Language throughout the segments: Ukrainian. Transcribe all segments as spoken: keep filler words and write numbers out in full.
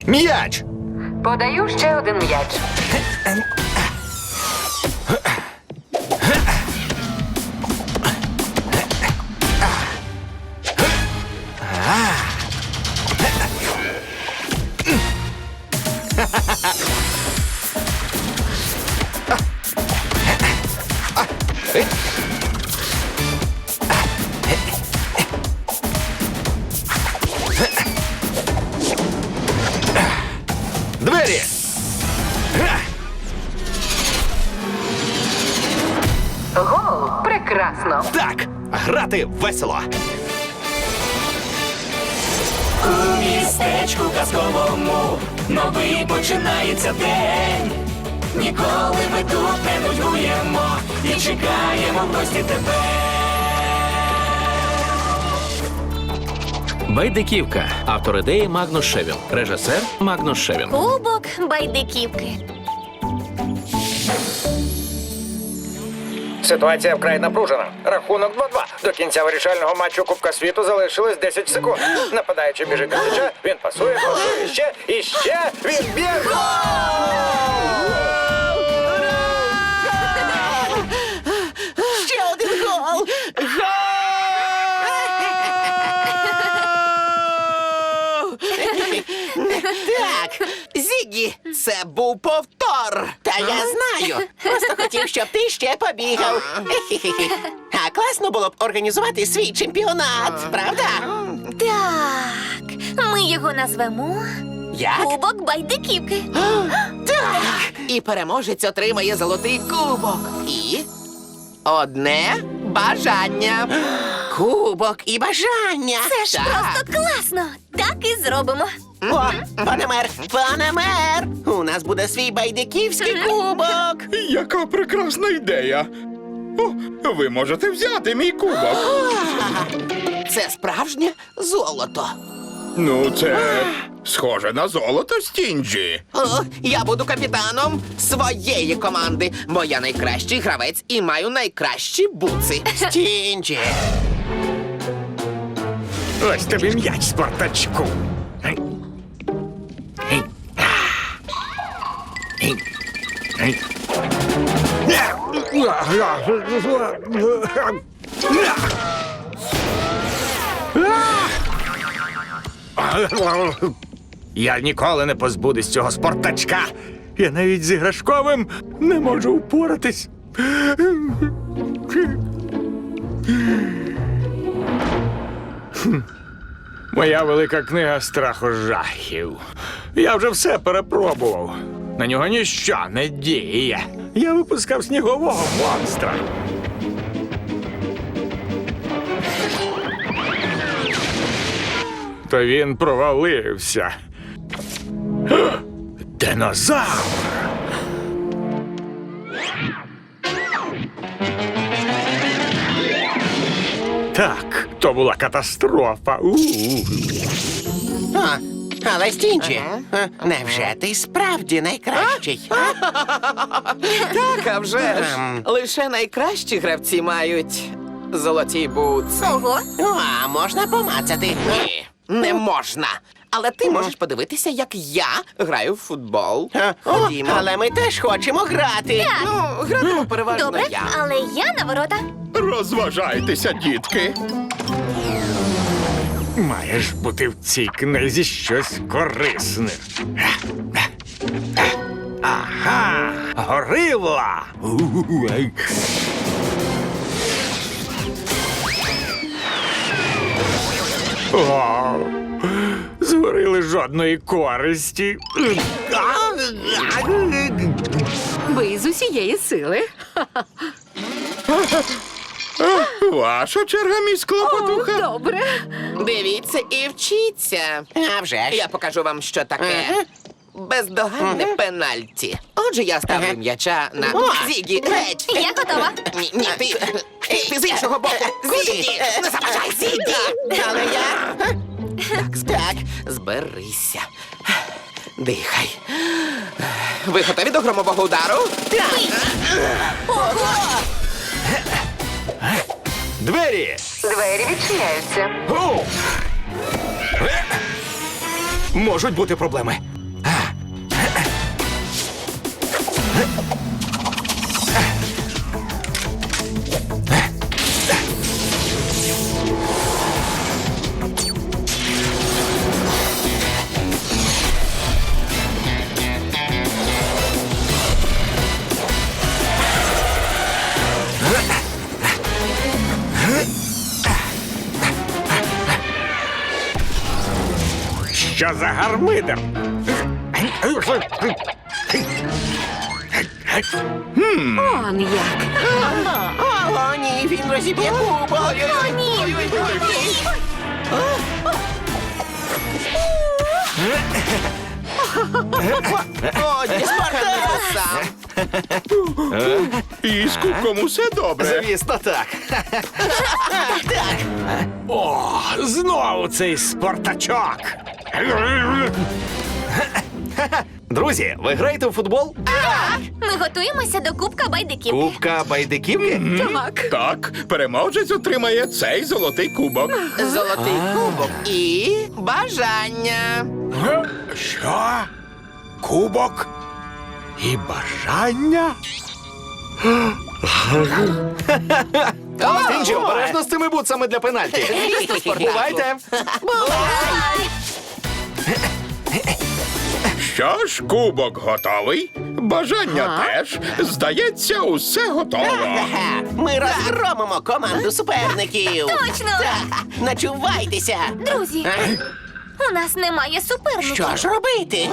М'яч! Подаю ще один м'яч. Двері! Гол! Прекрасно! Так, грати весело. У містечку казковому новий починається день. Ніколи ми тут не нудьгуємо і чекаємо в гості тебе. Байдиківка. Автор ідеї Магнус Шевін. Режисер Магнус Шевін. Кубок байдиківки. Ситуація вкрай напружена. Рахунок два-два. До кінця вирішального матчу Кубка світу залишилось десять секунд. Нападаючи біжить до м'яча, він пасує, пасує ще і ще. Він б'є Ще один гол! Гол! Так, Зігі, це був повтор. Та я знаю. Просто хотів, щоб ти ще побігав. Хі-хі-хі. А класно було б організувати свій чемпіонат, правда? Так, ми його назвемо Як? Кубок байдиківки. Так. І переможець отримає золотий кубок. І одне бажання. Кубок і бажання. Це ж Так. просто класно. Так і зробимо. О, пане мер, пане мер, у нас буде свій байдиківський кубок. Яка прекрасна ідея! О, ви можете взяти мій кубок. Це справжнє золото. Ну, це схоже на золото, Стінджі. О, я буду капітаном своєї команди, бо я найкращий гравець і маю найкращі буци. Стінджі. Ось тобі м'яч, Спартачку. Я ніколи не позбудусь цього Спартачка. Я навіть з іграшковим не можу впоратись. Моя велика книга страху жахів. Я вже все перепробував. На нього ніщо не діє. Я випускав снігового монстра. То він провалився. Динозавр! Так, то була катастрофа. У-у-у. А, але Стінджі, а, невже ти справді найкращий? Так, а вже ж. Лише найкращі гравці мають золоті буци. Ого. А можна помацати? Ні, не можна. Але ти можеш подивитися, як я граю в футбол. Ходімо. Але ми теж хочемо грати. Ну, гратиму переважно Добре, я. але я на ворота. Розважайтеся, дітки. Має ж бути в цій книзі щось корисне. Ага, горила. У-у-у-ай. О, зварили жодної користі. Ви з усієї сили. Ваша черга, міс Клопотуха. Добре. Дивіться і вчіться. А вже ж. Я покажу вам, що таке. Бездоганне пенальті. Отже, я ставлю м'яча на Зігі. Геть! Я готова. Ні, ні, ти, ти з іншого боку. Зігі! Не заважай, Зігі! Але я... Так, так, зберися. Дихай. Ви готові до громового удару? Так. Ого! Двері! Двері відчиняються. Гу! Можуть бути проблеми. Що за гармидер? Он як. О, ні, він розіб'є кубок. О, ні. О, ні, Спартакуса. І з кубком усе добре. Звісно, так. О, знову цей спартачок. Друзі, ви граєте у футбол? Ми готуємося до Кубка байдиків. Кубка байдиківки? Так. Так, переможець отримає цей золотий кубок. Золотий кубок і бажання. Що? Кубок? І бажання? Стінджі, обережно з цими бутсами для пенальті. Бувайте. Що ж, кубок готовий, бажання теж. Здається, усе готово. Ага, ми розгромимо команду суперників. Точно! Так, начувайтеся. Друзі, у нас немає суперників. Що ж робити?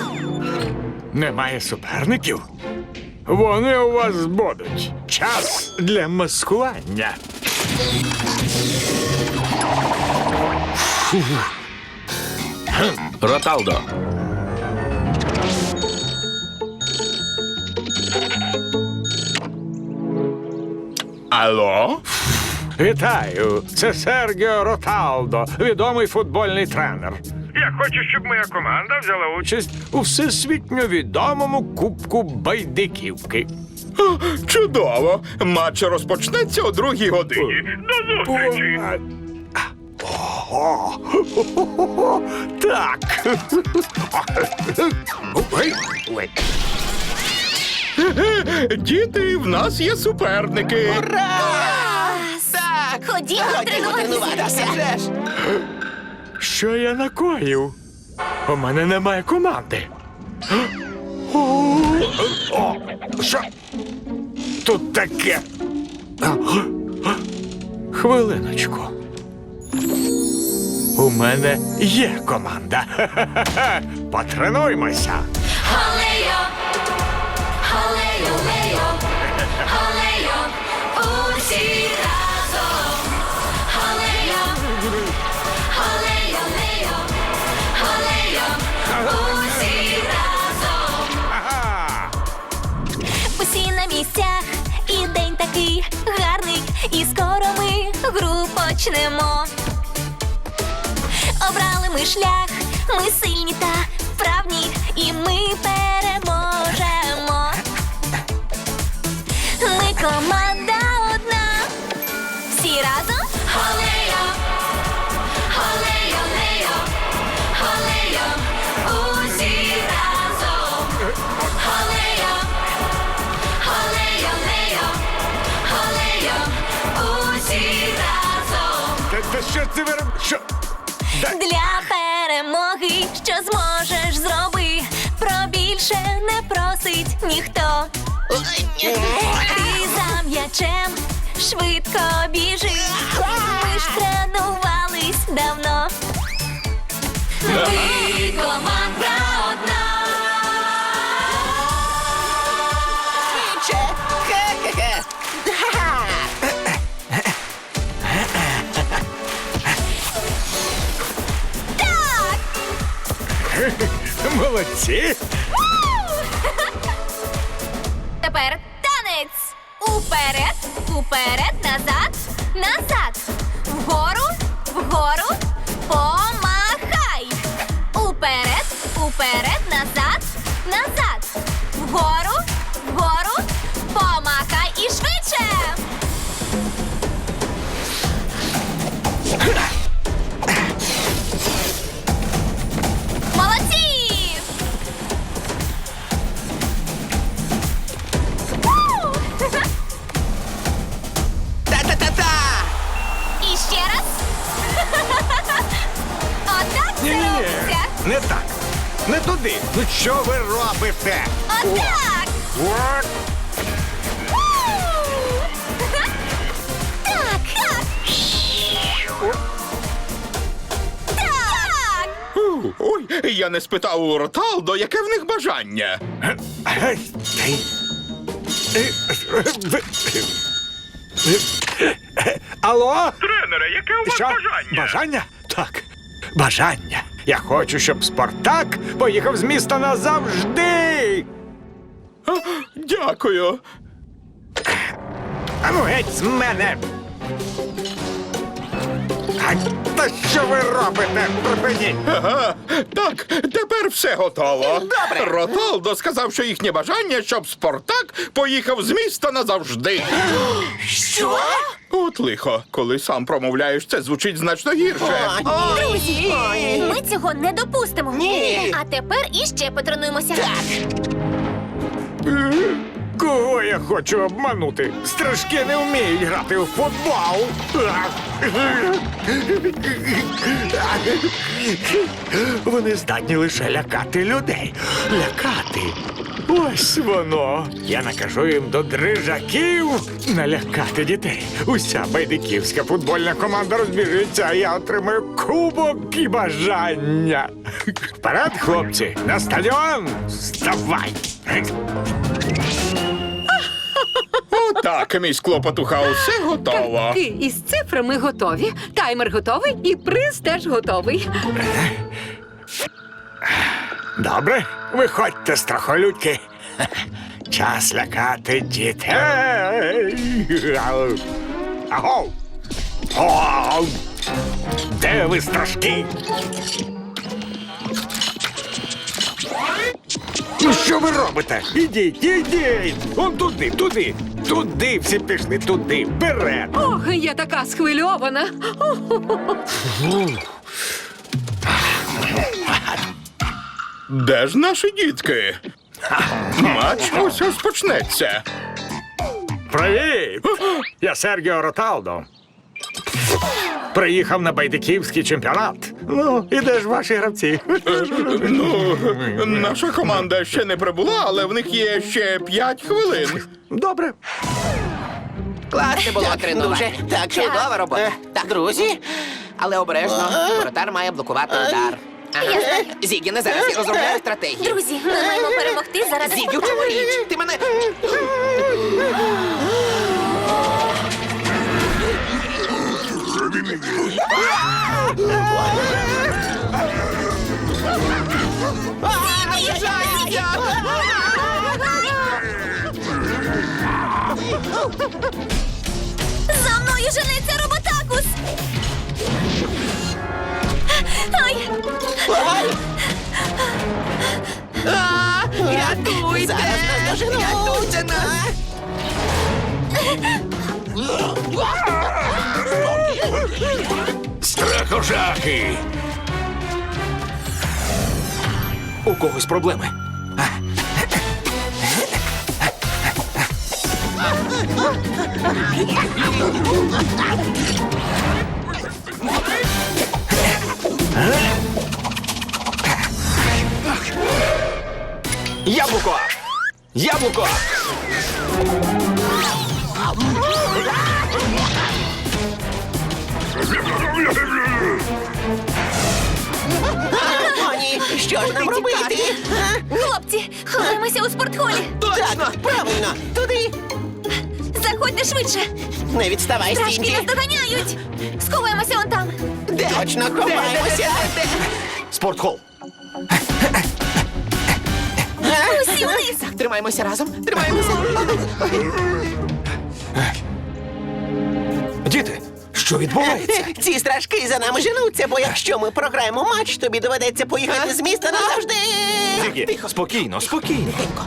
Немає суперників? Вони у вас будуть. Час для маскування. Роталдо. Алло? Вітаю! Це Сергіо Роталдо, відомий футбольний тренер. Я хочу, щоб моя команда взяла участь у всесвітньо відомому Кубку байдиківки. О, чудово! Матч розпочнеться о другій годині. До зустрічі! Ого! Так. Ой, ой. Діти, в нас є суперники. Так, Ходімо ходімо тренуватися. тренуватися. Вже ж. Що я накоїв? У мене немає команди. О, о, що тут таке? Хвилиночку. У мене є команда. Потренуймося. Галею, галею, лею, галею, усі разом. Галею, галею, лею, галею, усі разом. Ага. Усі на місцях, і день такий гарний, і скоро ми гру почнемо. Обрали ми шлях, ми сильні та вправні, і ми переможемо. Ми команда одна, всі разом. Галею, галею, лею, галею, усі разом. Галею, галею, лею, галею, усі разом. Та, та що ти вироб... Що? Для перемоги, що зможеш, зроби. Про більше не просить ніхто. Ти за м'ячем швидко біжи. Ми ж тренувались давно. Ми команда одна. Ще. Хе-хе-хе. Ха-ха. Молодці. Тепер танець. Уперед, уперед, назад, назад. Вгору, вгору, помахай. Уперед, уперед, назад, назад. Вгору, вгору, помахай і швидше. Молодці! Не туди! Ну що ви робите? Отак! От. Так! Так! Так! Ой, я не спитав у Роталдо, яке в них бажання. Ей, ей. Е, е, Алло? Тренере, яке у вас Що? бажання? Бажання? Так. Бажання. Я хочу, щоб Спартак поїхав з міста назавжди. Дякую. А ну геть з мене. А, та що ви робите? Припиніть. Ага, так, тепер все готово. Добре. Роталдо сказав, що їхнє бажання, щоб Спартак поїхав з міста назавжди. Що? От лихо, коли сам промовляєш, це звучить значно гірше. О, друзі! Ми цього не допустимо. Ні. А тепер іще потренуємося. Кого я хочу обманути? Страшки не вміють грати у футбол. Вони здатні лише лякати людей. Лякати. Ось воно. Я накажу їм до дрижаків налякати дітей. Уся байдиківська футбольна команда розбіжиться, а я отримаю кубок і бажання. Вперед, хлопці, на стадіон! Вставай! Отак, мій склопотуха, усе готово. Картки із цифрами готові, таймер готовий і приз теж готовий. Добре, виходьте, страхолюдьки. Час лякати дітей. Агов! Агов! Де ви, страшки? Ну що ви робите? Ідіть, ідіть! Он туди, туди, туди всі пішли, туди, вперед! Ох, я така схвильована. Де ж наші дітки? Матч ось ось почнеться. Привіт! Я Сергіо Роталдо. Приїхав на байдиківський чемпіонат. Ну, і де ж ваші гравці? Ну, наша команда ще не прибула, але в них є ще п'ять хвилин. Добре. Класне було тренування. Так, чудова робота. Так, друзі, але обережно, воротар має блокувати удар. Ага. Зігі, не зараз, я розробляю стратегію. Друзі, ми маємо перемогти заради Зігі, в чому річ? Ти мене... За мною женеться роботакус! Ай! Рятуйте! Зараз нас доженуть! Рятуйте нас! Страхожахи! У когось проблеми. Яблуко! Яблуко! О, ні, що ж нам робити? Хлопці, ховаємося у спортхолі. Точно, правильно, туди. Заходьте швидше. Не відставай, Страшки Стінджі. нас доганяють. Сховаємося он там. Точно, ховаємося. Спортхол! Усі вниз. Тримаємося разом, тримаємося. Діти, що відбувається? Ці страшки за нами женуться, бо якщо ми програємо матч, тобі доведеться поїхати з міста назавжди. Зігі, Тихо. спокійно, спокійно. Тихенько.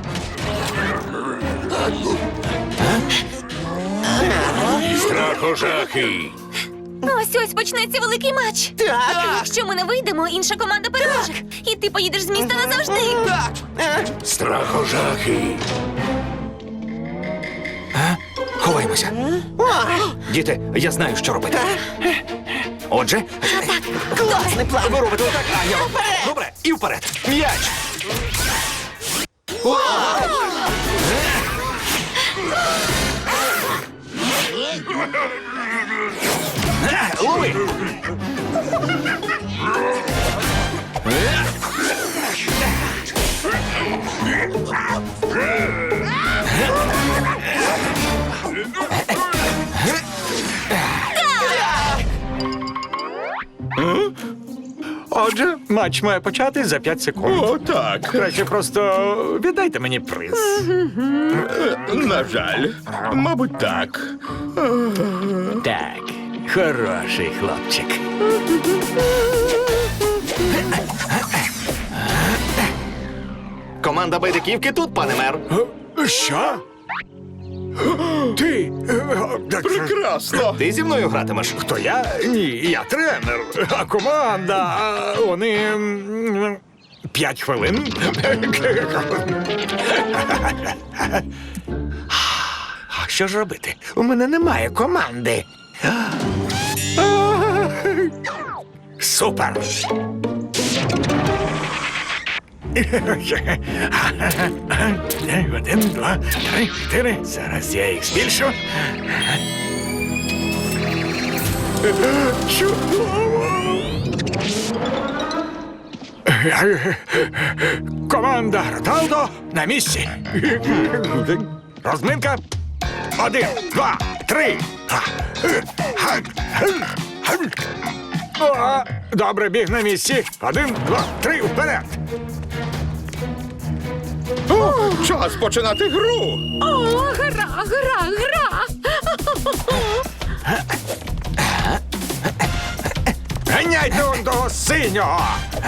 Страхожахи! Ось ось почнеться великий матч. Так. Якщо ми не вийдемо, інша команда переможе. І ти поїдеш з міста назавжди. Так. Е, Страхожахи! Ховаємося. о, Діти, я знаю, що робити. Отже, Класний план. ви робите отак, а я роблю. Добре, і вперед. М'яч. Е, Лови. Отже, матч має почати за п'ять секунд. О, так. Краще просто віддайте мені приз. На жаль. Мабуть, так. Так, хороший хлопчик. Команда байдиківки тут, пане мер. Що? Ти? Прекрасно. Ти зі мною гратимеш. Хто я? Ні, я тренер. А команда, а вони. м, П'ять хвилин. А що ж робити? У мене немає команди. Супер. Один, два, три, чотири. Зараз я їх збільшу. Чудово! Команда Роталдо на місці. Розминка. Один, два, три. О, добре, біг на місці. Один, два, три, вперед. Час починати гру. О, гра, гра, гра. Ганяйте он того синього.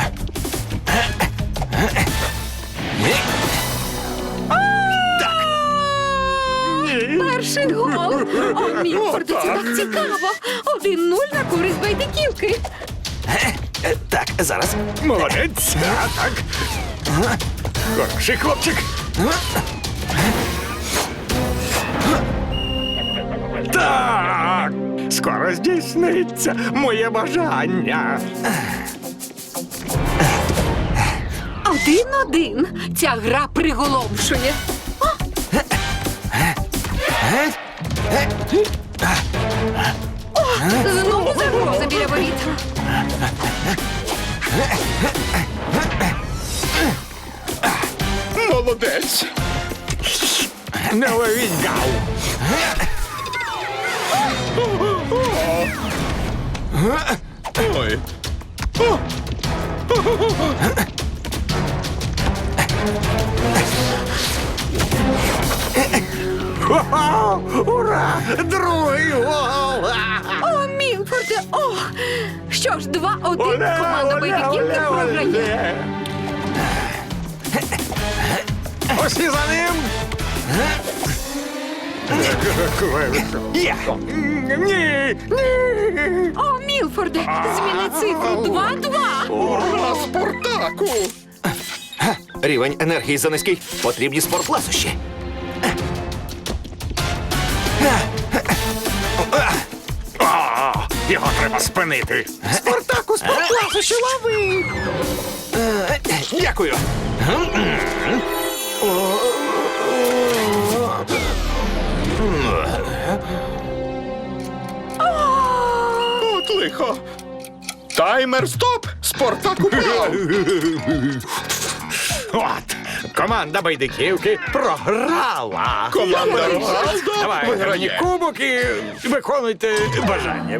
Перший гол. О, Мілфорде, це так цікаво. Один нуль на користь байдиківки. Е, Так, зараз. Молодець. А, так. Хороший хлопчик. Так. Скоро здійсниться моє бажання. Один-один. Ця гра приголомшує. О, знову загроза біля воріт. Молодець. Не ловіть гав. Ой. Хо-хо! Ура! Другий гол! О, Мілфорде, ох! Що ж, два-один. Оле, Команда оле, байдиківки оле, програє. оле. Усі за ним! Є. Ні! Ні! О, Мілфорде, зміни цифру два-два. Ура, Спартаку! Рівень енергії занизький. Потрібні спортласощі. О, його треба спинити. Спартаку, спортласощі, лови. Е, Дякую. От лихо. Таймер стоп! Спартак упав! От, команда байдиківки програла. Команда Роналдо Давай, мені виграє. кубок і виконуйте бажання.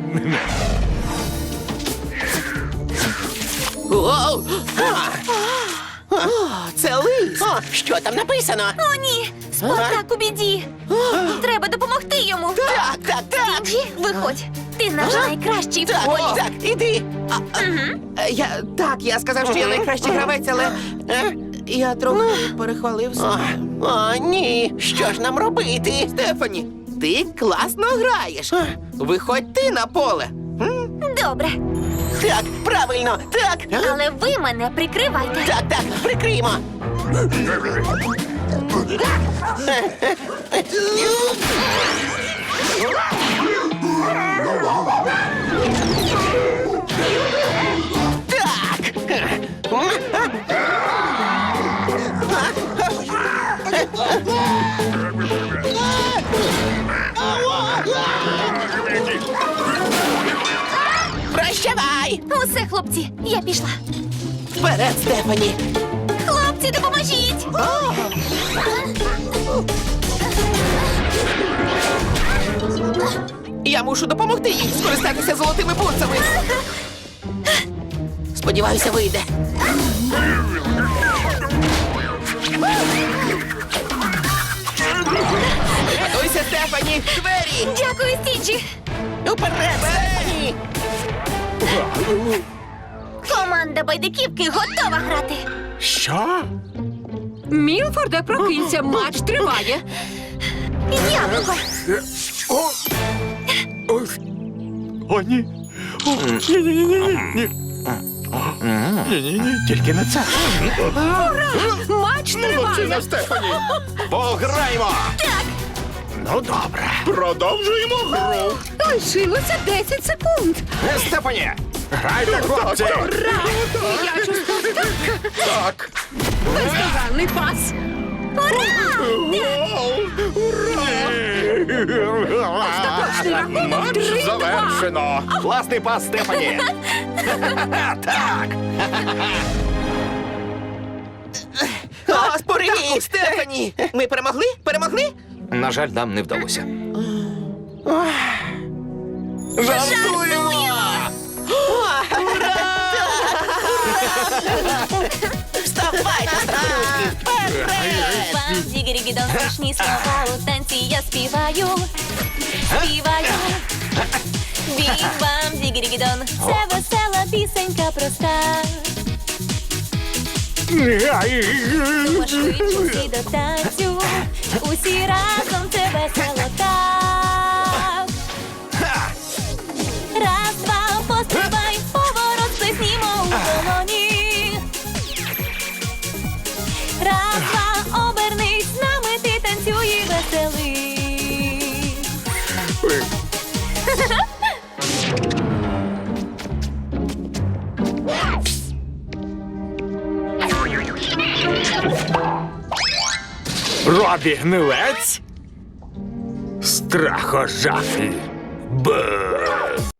Оу! О, це лист. О, що там написано? О, ні! Спартак у біді! Треба допомогти йому! Так, так, так. Діджі, виходь! Ти наш найкращий в Так, полі! так, іди. А, а, е, я, так, я сказав, що я найкращий гравець, але е, я трохи перехвалився. О, о, ні. Що ж нам робити? Стефані, ти класно граєш. Виходь ти на поле. Добре, Так, правильно, так. але ви мене прикривайте! Так, так, прикриємо. Прощавай! Усе, хлопці, я пішла. Вперед, Стефані! Хлопці, допоможіть! Я мушу допомогти їй скористатися золотими бутсами. Сподіваюся, вийде. Готуйся, Стефані! Двері! Дякую, Стінджі! Уперед, Стефані! Команда байдиківки готова грати. Що? Мілфорде, прокинься, матч триває. Яблуко. О! О, О ні! О, ні-ні-ні-ні! Ні-ні-ні, тільки не це. Матч триває. Молодчина, Стефані. Пограємо! Ну, добре. Продовжуємо гру. Лишилося десять секунд. Е, Стефані! Грайте, хлопці! Я чувствую Так. бездоганний пас. Остаточний рахунок Матч три-два. завершено. Класний пас, Стефані! Так! О, спорені, Стефані! Ми перемогли? Перемогли? На жаль, нам не вдалося. Вставайте, старушки! Вперед! Бам, дігірігідон, смішні слова у танці я співаю. Співаю. Бім-бам, дігірігідон, це весела пісенька проста. Пошвидше всі до танцю, усі разом це весело так. Раз, два, пострибай, поворот сплеснімо у долоні. Раз, два, обернись, з нами ти танцюй і веселий. Робі гнилець? Страхожахи. Бе.